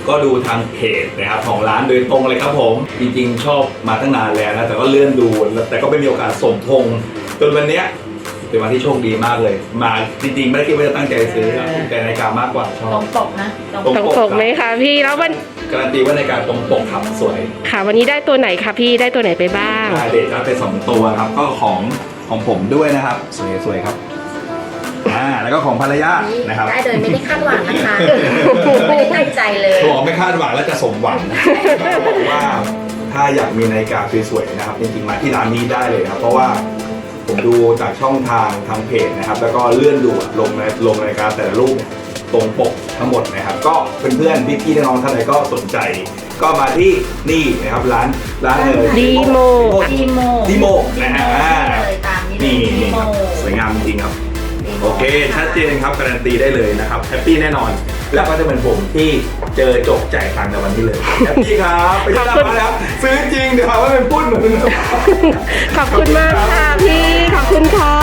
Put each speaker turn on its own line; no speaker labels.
ก็ดูทางเพจนะครับของร้านโดยตรงเลยครับผมจริงๆชอบมาตั้งนานแล้วนะแต่ก็เลื่อนดูแต่ก็ไม่มีโอกาสสมทงจนวันเนี้ยเป็นวันที่โชคดีมากเลยมาจริงๆไม่ได้คิดว่าจะตั้งใจซื้อครับแต่นาฬิกามากกว่าชอ
ตร
บ
งปกนะ
ตรงปกไหมคะพี่แล้ววัน
การันตีว่านาฬิกาตรงปกครับสวย
ค่ะวันนี้ได้ตัวไหนคะพี่ได้ตัวไหนไปบ้าง
เด็ดครับไป2ตัวครับก็ของผมด้วยนะครับสวยๆครับแล้วก็ของภรรยานะครับ
ได้โดยไม่ได้คาดหวังนะคะไม่ได้ตั้งใจเลย
บอกไม่คาดหวังแล้วจะสมหวังบอกว่าถ้าอยากมีนาฬิกาสวยๆนะครับจริงๆมาที่ร้านนี้ได้เลยครับเพราะว่าผมดูจากช่องทางเพจนะครับแล้วก็เลื่อนดูลงนาฬิกาแต่ละรูปเนี่ยตรงปกทั้งหมดนะครับก็เพื่อนๆพี่ๆน้องๆท่านใดก็สนใจ ก็มาที่นี่นะครับร้าน
ดีโม
ดีโมนะฮะ
เลยตามนี้เลย
นี่
ดีโม
ครับสวยงามจริงๆครับ
ดีโม
โอเคชัดเจนครับการันตีได้เลยนะครับแฮปปี้แน่นอน แล้วก็จะเป็นผมที่เจอจบจ่ายตังค์ในวันนี้เลยแฮปปี้ครับไปที่ร้านมาแล้วซื้อจริงเดี๋ยวหาว่าเป็นปุ้นเหมือน
ขอบคุณมากค่ะพี่ขอบคุณค่ะ